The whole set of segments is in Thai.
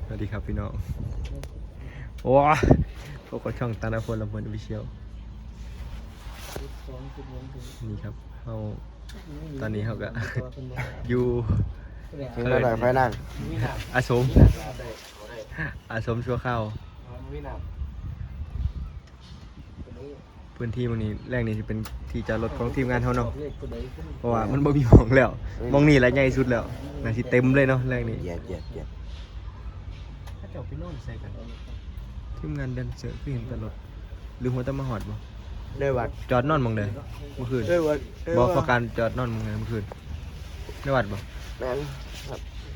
วัสดีครับพี่น้องโอ้พวกเขาช่องตาลพลลำเพลินออฟฟิเชียลนี่ครับเขาตอนนี้เขาก็อยู่เพิ่งมาหน่อยไฟนั่งอาสมชั่วข้าวพื้นที่ตรงนี้แรกนี่จะเป็นที่จอดรถของทีมงานเขาเนาะเพราะว่ามันบ่มีหม้องแล้วหม้องนี่แหละใหญ่สุดแล้วน่าสิเต็มเลยเนาะแรกนี่เหยียดถ้าเจ้าไปนอนใส่กันทีมงานแดนเซอร์คือเห็นตลอดหรือหัวตะมาหอดบ่ด้วยวัดจอดนอนหมองใดเมื่อคืนด้วยวัดบ่พอการจอดนอนหมองใดเมื่อคืนในวัดบ่แม่นครับ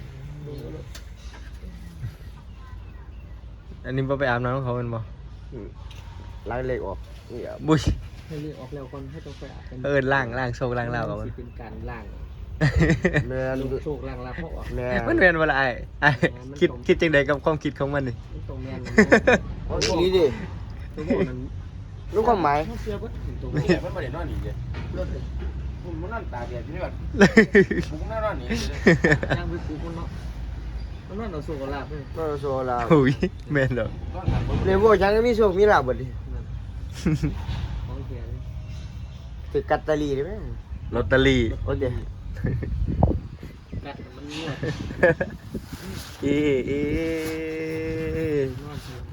อันนี้บ่ไปอาบน้ำของเขาแม่นบ่ล้างเหล็กออกนี่ครับบุ้ยให้เรียกออกแล้วก่อนให้ต้องไปอาบกันล้างโชคล้างลาวกับมันเป็นการล่างแม่นโชคล่างลาเพราะออกแม่มันแม่นบ่ล่ะไอ้คิดจังไดกับความคิดของมันนี่มันตรงแมนเอาอีหลีดิตัวบอกนั้นรู้ความหมายเขาเชื่อว่าถึงตัวเนี่ยมันไม่ได้นอนหนีเลยผมมันนอนตาเดียดที่นี่แบบผมก็นอนหนีเลยย่างไปปลูกมันเนาะมันนั่นเราโชคลาภเลยก็โซลาโอ้ยแม่นดอกนอนหลับผมเรียกว่าจังมีโชคมีลาบบ่ดิของเสียเลยติดกัตตาลีได้ไหมลอตเตอรี่โอ้เดี๋ยวกัดมันนวดเอ๊ะนวดเสีย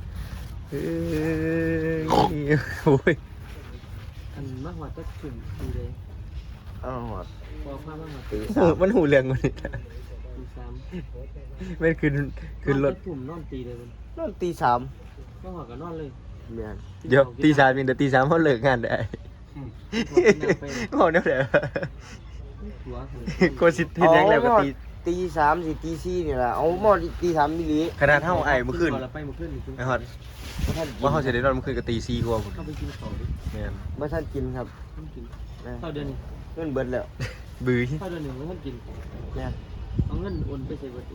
โอ้ยอันมากกว่าก็ถึงดีเลยอ้าวหอดพอผ้ามากกว่าตีโอ้มันหูเรื่องกว่านี้ตีสามแม่นขึ้นรถกลุ่มนอนตีเลยมันนอนตีสามก็หัวกับนอนเลยแม่นเดี๋ยวตี3มีแต่ตี3เฮาเลิกงานได้บ่แนวใดหัวก็สิเฮ็ดหยังแล้วก็ตีตีสามสิตีสี่นี่แหละเอาหมอตีสามมิลลิขนาดเฮาไอ้เมื่อคืนเราไปเมื่อคืนนี่ไอ้ฮอดว่าเฮาสิได้นอนเมื่อคืนก็ตี4กว่าพุ่นเข้าไปกินข้าวดิแม่นไม่ท่านกินครับท่านกินนะข้าวเดือนนี้เงินเบิดแล้วบื้อข้าวเดือนหนึ่งไม่ท่านกินเนี่ยเอาเงินโอนไปใส่บัตรโอน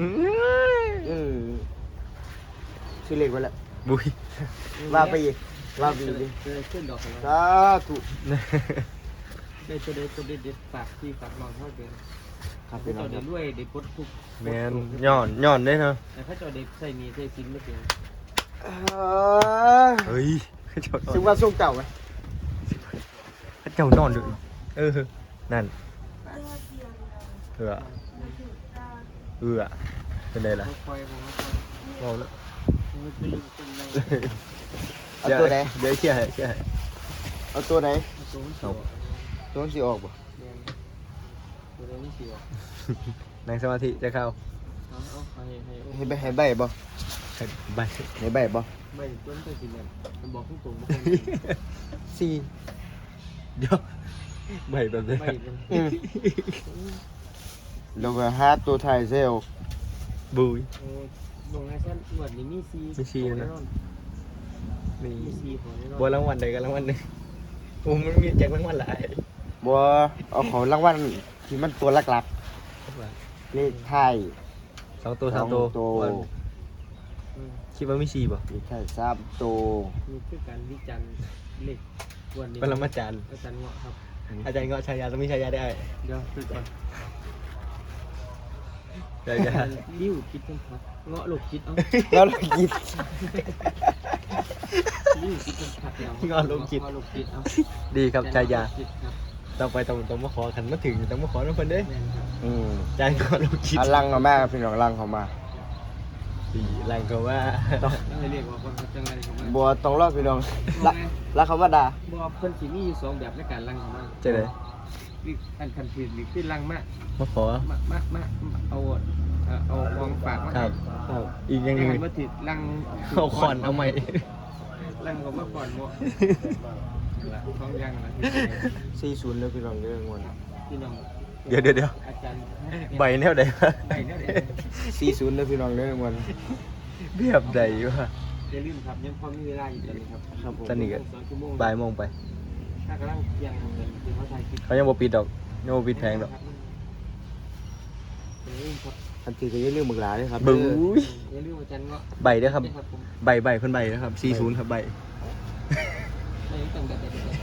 ชื่อเล็กไปแล้วบุ้ยว่าไปอีกว่าไปอีกดิเจอขึ้นดอกของเราสาธุได้ตัวเด็ดฝากที่ฝากน้องเท่าเดิมครับเขาพี่น้อเจ้างคเด็รับดรวยเด็ดปดทุกแม่นย้อนได้เนาะแต่เขาเจ้าเด็ดใส่มีใส่ซิมไม่เพียงเฮ้ยเจ้าซึ่งว่าส่งเก่าไหมเจ้านอนอยู่นั่นเป็นไงล่ะคอยผมมองแล้วมันเป็นลูกเป็นอะไรเอาตัวไหนเดี๋ยวเชี่ยให้เอาตัวไหนตัวมันเอาตัวสีออกบ่ตัวนี้ไม่เสียนั่งสมาธิจะเข้าเอาให้ให้ใบบ่ใบให้ใบบ่ไม่ต้นไปกินเนี่ยมันบอกตรงๆไม่สี่เดี๋ยวใบแบบนี้ไม่เป็นแล้วก็หาตัวไทยเซลบุยลงให้ฉันหมดนี่มีซีนี่มีซีของแน่นอนบัวรางวัลใดกันรางวัลหนึ่งโอ้มันมีแจกรางวัลหลายบ่เอาของรางวัลที่มันตัวหลักๆเลขไทย 2 ตัว 3 ตัว คิดว่ามี4ป่ะเลขไทย3ตัวมีคือการวิจารณ์เล็กวันนี้เป็นละมาจารย์อาจารย์เงาะครับอาจารย์เงาะชายาต้องมีชายาได้เดี๋ยวคือก่อนชายาลิ้วคิดต้องพักเงาะลูกคิดเอาแล้วเรากินลิ้วคิดต้องพักแล้วเงาะลูกคิดเงาะลูกคิดเอาดีครับชายาคิดครับต้องมาขอขันมาถึงต้องมาขอน้องเพิ่นเด้แม่นครับอาจารย์เงาะลูกคิดอันลังเขามาพี่น้องลังเขามาดีแรงก็ว่าต้องให้เรียกว่าคนเขาจังไรเขามาบัวต้องรอพี่น้องละเขามาด่าบ่เพิ่นสิมีอยู่2แบบในการลังเขามาเจะได้อันคันผิดนี่คือลังมามาขอเอาของฝากมาครับอีกอย่างหให้นึงมาติดลังเอาขอนเอาใหม่ลังก็มาก่อนบ่ละท้องยังนะ 40เลยพี่น้องเด้องวนพี่น้องเดี๋ยวอาจารย์ใบแนวใดวะใบเนี่ย 40เลยพี่น้องเด้องวนแบบใดวะอย่าลืมครับยังพอมีเวลาอยู่ตอนนี้ครับครับผมตอนนี้ก็ 2 ชั่วโมงบ่ายโมงไปถ้ากำลังยังเหมือนที่เขาถ่ายคลิปเขายังบ่ปิดดอกยังบ่ปิดแพงดอกอย่าลืมครับอันที่ก็อย่าลืมมึกหลาด้วยครับบู๊ยอย่าลืมอาจารย์เงาะใบเด้อครับครับผมใบเพิ่นใบนะครับ40ครับใบไม่ต้องแบบ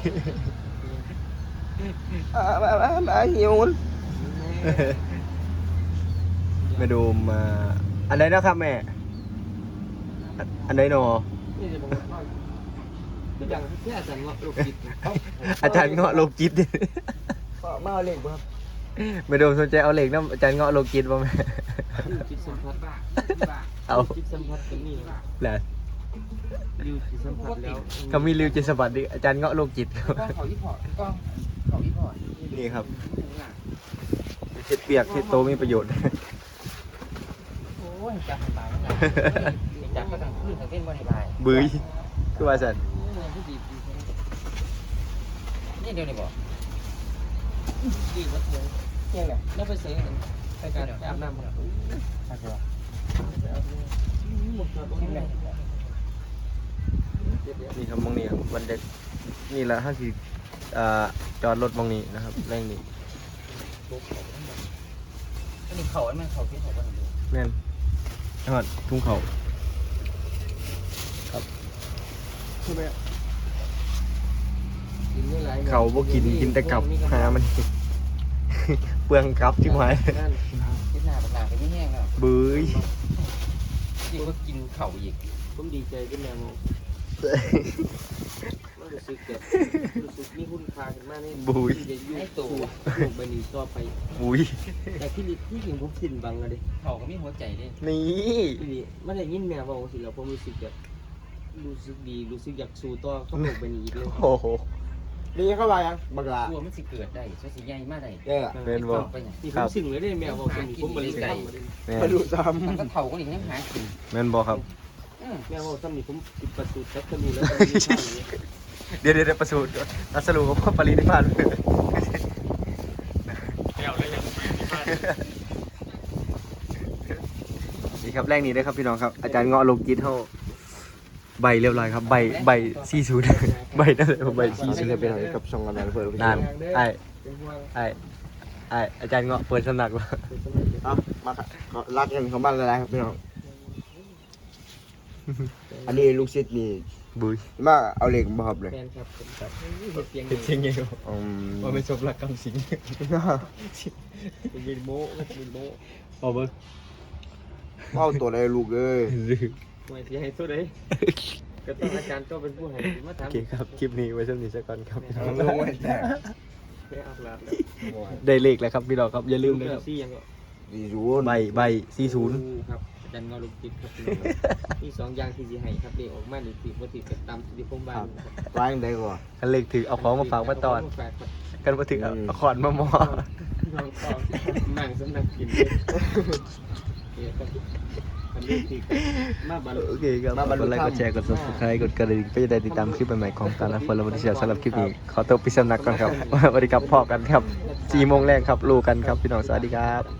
หิวแม่ดูมาอันใดนะครับแม่อันไหนหนอนี่จะบอกว่าคืออย่างที่อาจารย์เงาะลูกจิตอาจารย์เงาะโลกิตมาเอาเหล็กบ่ครับไม่โดนสนใจเอาเหล็กนะอาจารย์เงาะโลกิตบ่แม่จิตสัมผัสเอาจิตสัมผัสก็มีแหละริวจิตสัมผัสแล้วก็มีริวจิตสวัสดิ์ดิอาจารย์เงาะโลกิตครับก็เขาอีพอร์ตก็เขาอีพอร์ตนี่ครับเห็ดเปียกเห็ดโตมีประโยชน์โอ้ยจับตายแล้วจับก็ต้องขึ้นทั้งเต้นบริบายบื้ยคือว่าสันนี่เดียวนี่บอกดีกว่าเสียงเที่ยงเนี่ยแล้วไปเสียงไปการอาบน้ำครับใช่ไหมนี่ครับมองนี่ครับวันเด็กนี่ละจอดรถมองนี้นะครับแรงนี้อันนี้เขาไอ้แม่เขาที่เขาบ้านดูแม่นจังหวัดทุ่งเขาเขาบ่กินแต่กับหามัน เปลืองกับที่หมายคิดหน้าปากหน้าไปไม่แห้งแล้วบื้ยยิ่งก็กินเข่าอีกผมดีใจขึ้นแล้วรู้สึกแบบรู้สึกมีคุณค่าขึ้นมากนี่บุยจะอยู่สู่โลกใบนี้ต่อไปบุยแต่ที่จริงผมสิ้นบังเลยเข่าก็มีหัวใจด้วยนี่ทีนี้ไม่ได้ยินแม่บอกสิแล้วผมรู้สึกแบบรู้สึกดีรู้สึกอยากสู่ต่อกับโลกใบนี้อีกเลยโอ้โหนี่เข้ามายังบักลากลัวมันสิเกิดได้ช่วยสิใหญ่มากได้เด้อเป็นบ่ไปเนี่ยนี่ผมสิ่งเลยได้แม่บอกเป็นผมบริกรรมแม่นมาดูซ้มันก็เข่าก็อีกยังหากินแม่นบ่ครับแม่บอกซ้ำนี่ผมติดประตูจับทะลุแล้วเดี๋ยวประสูตรรัสรุปว่าปรินิพพานนี่ครับแรกนี้ด้วยครับพี่น้องครับอาจารย์เงาะโลกิตเท่าใบเรียบร้อยครับใบ40 ใบนั่นเลยผมใบำที่จะเป็นอะไรกับช่องกันนั้นเพื่อนนานไอ้อาจารย์เงาะเปิดสำนักแล้วเอามาครับขอรักกันของบ้านอะไรครับพี่น้อง อันนี้ลูกศิษย์นี่บุยมาเอาเหล็กมาครับเลยแฟนครับผมครับเสียงเป็นเชียงไงอืมว่าไม่ชมรักกำสิงเป็นโม้เป็นโม้พอเบิ้งเอาตัวอะไรลูกเอ้ยไม่เสียให้ตัวใดก็ต้องอาจารย์ก็เป็นผู้ให้มาโอถามเคครับคลิปนี้ไว้ช่วงนี้สักก่อนครับเอาลงไว้แต่ไม่อาบน้ำแล้วได้เลขแล้วครับพี่น้องครับอย่าลืมนะครับซี่ยังก็ดีจูนใบ40 ครับอาจารย์เงาลูกจิตครับมี2อย่างที่สิให้ครับเด็กออกมานี่สิบ่สิเป็นตามที่ผมบ้านครับวางได้ก่อนคันเลขถือเอาของมาฝากมาตอนกันมาถึงเอาขอนมาหมอน้องตองนั่งสำนักกินเนี่ยครับอันนี้ที่มาบันโอเคครับกดไลค์กดแชร์กด subscribe กดกระดิ่งเพื่อจะได้ติดตามคลิปใหม่ๆของการละคนและวันที่สำหรับคลิปนี้ขอตัวไปสำนักก่อนครับสวัสดีครับพอกันครับ4 โมงแรกครับรู้กันครับพี่น้องสวัสดีครับ